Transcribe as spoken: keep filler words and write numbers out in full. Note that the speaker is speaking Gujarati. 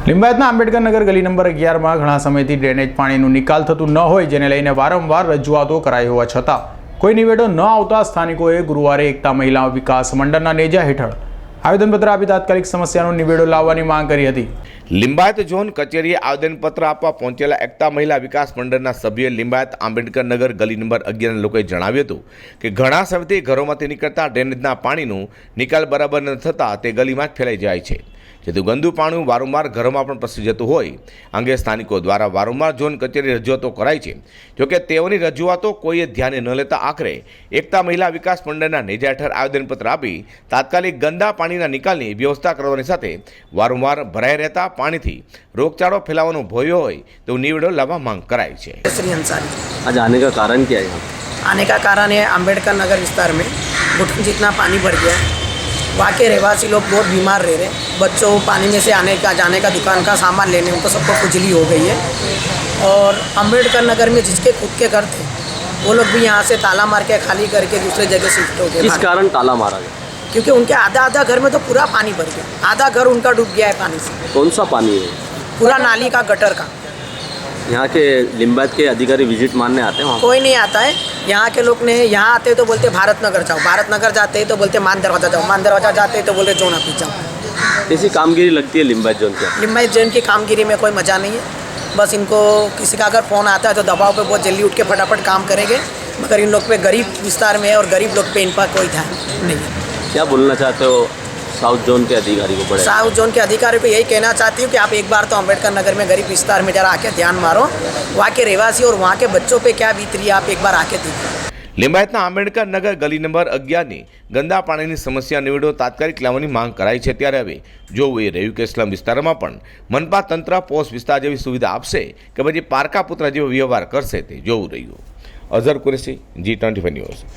લિંબાયતના આંબેડકર નગર ગલી નંબર અગિયારમાં ઘણા સમયથી ડ્રેનેજ પાણીનું નિકાલ થતું ન હોય જેને લઈને વારંવાર રજૂઆતો કરાઈ હોવા છતાં કોઈ નિવેડો ન આવતા સ્થાનિકોએ ગુરુવારે એકતા મહિલા વિકાસ મંડળના નેજા હેઠળ આવેદનપત્ર આપી તાત્કાલિક સમસ્યાનો નિવેડો લાવવાની માંગ કરી હતી। લિંબાયત ઝોન કચેરીએ આવેદનપત્ર આપવા પહોંચેલા એકતા મહિલા વિકાસ મંડળના સભ્ય લિંબાયત આંબેડકર નગર ગલી નંબર અગિયારના લોકોએ જણાવ્યું હતું કે ઘણા સમયથી ઘરોમાંથી નીકળતા ડ્રેનેજના પાણીનું નિકાલ બરાબર ન થતાં તે ગલીમાં જ ફેલાઈ જાય છે, જેથી ગંદુ પાણી વારંવાર ઘરોમાં પણ પ્રસરી જતું હોય અંગે સ્થાનિકો દ્વારા વારંવાર ઝોન કચેરી રજૂઆતો કરાઈ છે। જોકે તેઓની રજૂઆતો કોઈએ ધ્યાને ન લેતા આખરે એકતા મહિલા વિકાસ મંડળના નેજા હેઠળ આવેદનપત્ર આપી તાત્કાલિક ગંદા પાણીના નિકાલની વ્યવસ્થા કરવાની સાથે વારંવાર ભરાઈ રહેતા પાણીથી રોગચાળો ફેલાવાનો ભય હોય તેવું નિવેડો લાવવા માંગ કરાઈ છે। श्री अंसारी आज आने का कारण क्या है? आने का कारण है अम्बेडकर नगर विस्तार में घुटन जितना पानी भर गया है। वहाँ के रहवासी लोग बहुत बीमार रह रहे हैं। बच्चों को पानी में से आने का जाने का दुकान का सामान लेने उनको सबको खुजली हो गई है। और अम्बेडकर नगर में जिसके खुद के घर थे वो लोग भी यहाँ से ताला मार के खाली करके दूसरे जगह शिफ्ट हो गए। किस कारण ताला मारा गया? क्योंकि उनके आधा आधा घर में तो पूरा पानी भर गया, आधा घर उनका डूब गया है पानी से। कौन सा पानी है? पूरा नाली का, गटर का। यहाँ के लिंबायत के अधिकारी विजिट मारने आते हैं वहाँ? कोई नहीं आता है। यहाँ के लोग ने यहाँ आते तो बोलते भारत नगर जाओ, भारत नगर जाते हैं तो बोलते मान दरवाजा जाओ, मान दरवाजा जाते हैं तो बोलते जोना पीछे जाओ। कैसी कामगिरी लगती है लिंबायत जोन की? लिंबायत जोन की कामगिरी में कोई मज़ा नहीं है। बस इनको किसी का अगर फ़ोन आता है तो दबाव पे बहुत जल्दी उठ के फटाफट काम करेंगे, मगर इन लोग पे गरीब विस्तार में है और गरीब लोग पे इन पर कोई ध्यान नहीं है। क्या बोलना चाहते हो साउथ जोन के अधिकारी को? बड़े साउथ जोन के अधिकारी को यही कहना चाहती हूँ कि आप एक बार तो अम्बेडकर नगर में गरीब विस्तार में जरा आके ध्यान मारो, वहाँ के रहवासी और वहाँ के बच्चों पे क्या बीत रही है आप एक बार आके देखो। લિંબાયતના આંબેડકર નગર ગલી નંબર અગિયારની ગંદા પાણીની સમસ્યા નિવેડો તાત્કાલિક લાવવાની માંગ કરાઈ છે। ત્યારે હવે જોવું એ રહ્યું કે સ્લમ વિસ્તારમાં પણ મનપા તંત્ર પોસ્ટ વિસ્તાર જેવી સુવિધા આપશે કે પછી પારકા પુત્ર જેવો વ્યવહાર કરશે તે જોવું રહ્યું। Azhar Qureshi, G twenty five news.